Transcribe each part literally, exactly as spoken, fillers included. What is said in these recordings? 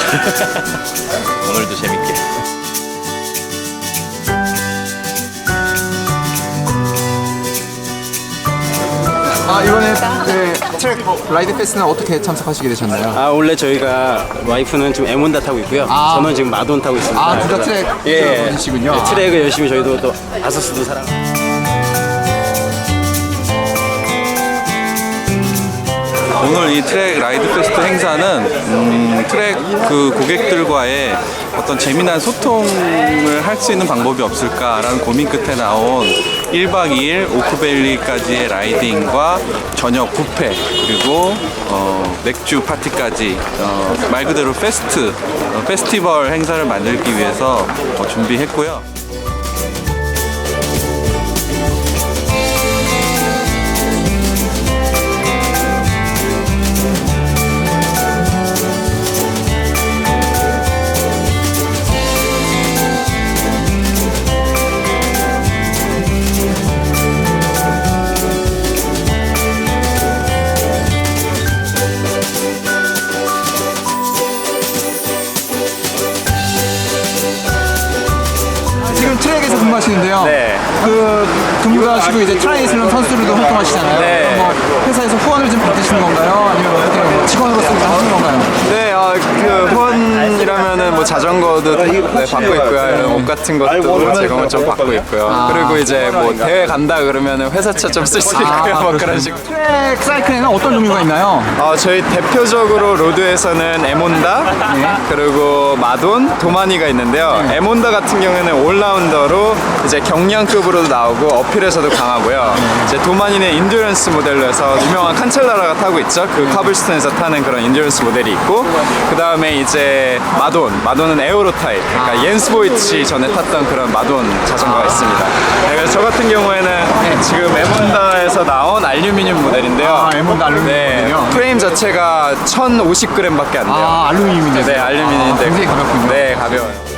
오늘도 재밌게. 아 이번에 네, 트랙 라이드 페스는 어떻게 참석하시게 되셨나요? 아 원래 저희가 와이프는 지금 에몬다 타고 있고요. 아. 저는 지금 마돈 타고 있습니다. 아, 둘 다 그래서- 트랙 예, 분이시군요. 네, 트랙을 열심히 저희도 또 아서스도 사랑. 오늘 이 트랙 라이드 페스트 행사는 음, 트랙 그 고객들과의 어떤 재미난 소통을 할 수 있는 방법이 없을까라는 고민 끝에 나온 일 박 이 일 오크밸리까지의 라이딩과 저녁 뷔페 그리고 어, 맥주 파티까지 어, 말 그대로 페스트, 어, 페스티벌 행사를 만들기 위해서 어, 준비했고요. 지금 트랙에서 근무하시는데요. 네. 그 근무도 하시고 이제 트라이슬론 선수로도 활동하시잖아요. 네. 뭐 회사에서 후원을 좀 받으시는 건가요? 아니면 어떻게 뭐 직원으로서 일을 하시는 건가요? 네, 어, 그 후원이라면은 뭐 자전거도 네, 받고 있고요. 이런 옷 같은 것도 제공을 좀 받고 있고요. 그리고 이제 뭐 대회 간다 그러면은 회사차 좀 쓸 수 있고요. 뭐 그런 식으로. 트랙 사이클에는 어떤 종류가 있나요? 어, 저희 대표적으로 로드에서는 에몬다, 그리고 마돈, 도마니가 있는데요. 에몬다 같은 경우에는 올라운더로 이제 경량급으로도 나오고 어필에서도 강하고요. 이제 도마니는 인듀런스 모델로 해서 유명한 칸첼라라가 타고 있죠. 그 카블스톤에서 타는 그런 인듀런스 모델이 있고, 그 다음에 이제 마돈, 마돈은 에어로 타입. 그러니까 옌스 보이츠 전에 탔던 그런 마돈 자전거가 있습니다. 네, 그래서 저 같은 경우에는 지금 에몬다에서 나온 알루미늄 모델인데요. 아, 에몬다 알루미늄 네, 모델이요? 프레임 자체가 천오십 그램밖에 안 돼요. 아, 알루미늄인데. 네, 알루미늄인데 아, 굉장히 가볍군요. 네, 가벼워요.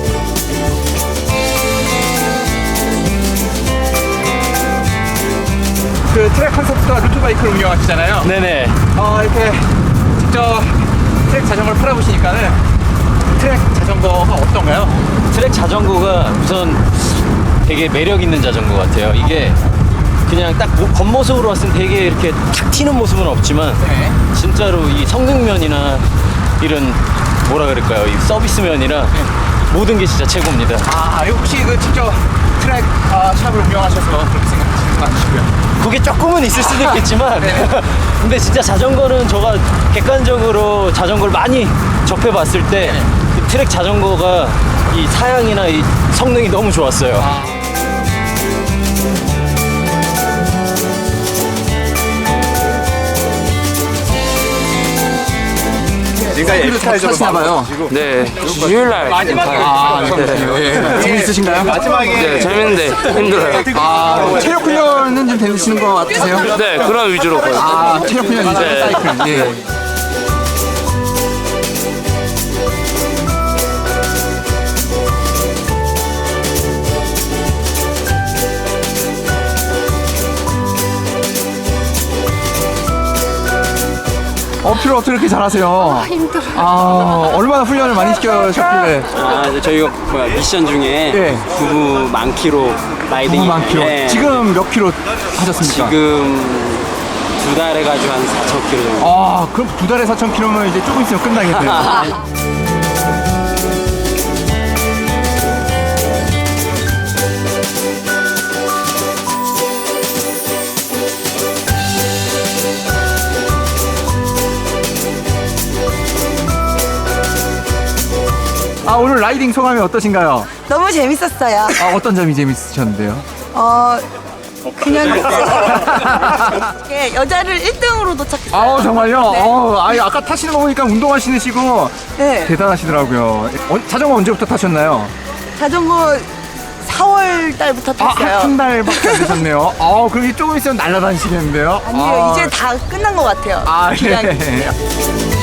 그 트랙 컨셉과 루트바이크를 운영하시잖아요. 네네. 어, 이렇게 직접 트랙 자전거를 팔아보시니까는 트랙 자전거가 어떤가요? 트랙 자전거가 우선 되게 매력 있는 자전거 같아요. 이게 그냥 딱 모- 겉모습으로 봤을 때 되게 이렇게 탁 튀는 모습은 없지만 네. 진짜로 이 성능면이나 이런 뭐라 그럴까요? 이 서비스면이나 모든 게 진짜 최고입니다. 아, 혹시 그 직접 트랙 아, 샵을 운영하셔서 그렇게 생각하시는 건 아니시고요? 그게 조금은 있을 수도 있겠지만 네. 근데 진짜 자전거는 제가 객관적으로 자전거를 많이 접해봤을 때 이 트랙 자전거가 이 사양이나 이 성능이 너무 좋았어요. 지금까지 에피타이저로 타시나봐요. 네, 주일날 아, 그렇군요. 예. 재밌으신가요? 네, 재밌는데 힘들어요. 아, 체력 훈련은 좀 되시는 것 같으세요? 네, 그런 위주로 거든요. 아, 체력 훈련이죠. 네. 사이클. 예. 어필을 어떻게 이렇게 잘하세요? 힘들어. 아, 얼마나 훈련을 많이 시켜셨길래? 아, 이제 저희가 뭐야, 미션 중에 예. 부부 만 킬로 라이딩 너무 많기로. 예. 지금 몇 킬로 하셨습니까? 지금 두 달 해가지고 한 사천 킬로 정도. 아, 그럼 두 달에 사천 킬로면 이제 조금 있으면 끝나겠네요. 아, 오늘 라이딩 소감이 어떠신가요? 너무 재밌었어요. 아, 어떤 점이 재밌으셨는데요? 어, 그냥 이렇게 여자를 일 등으로 도착했어요. 아우, 정말요? 네. 어, 아니, 아까 타시는 거 보니까 운동하시시고 네. 대단하시더라고요. 어, 자전거 언제부터 타셨나요? 자전거 사월 달부터 아, 탔어요. 한 달밖에 안 되셨네요. 아, 그럼 조금 있으면 날아다니시겠는데요? 아니요, 아, 이제 다 끝난 것 같아요. 아, 기간이. 예.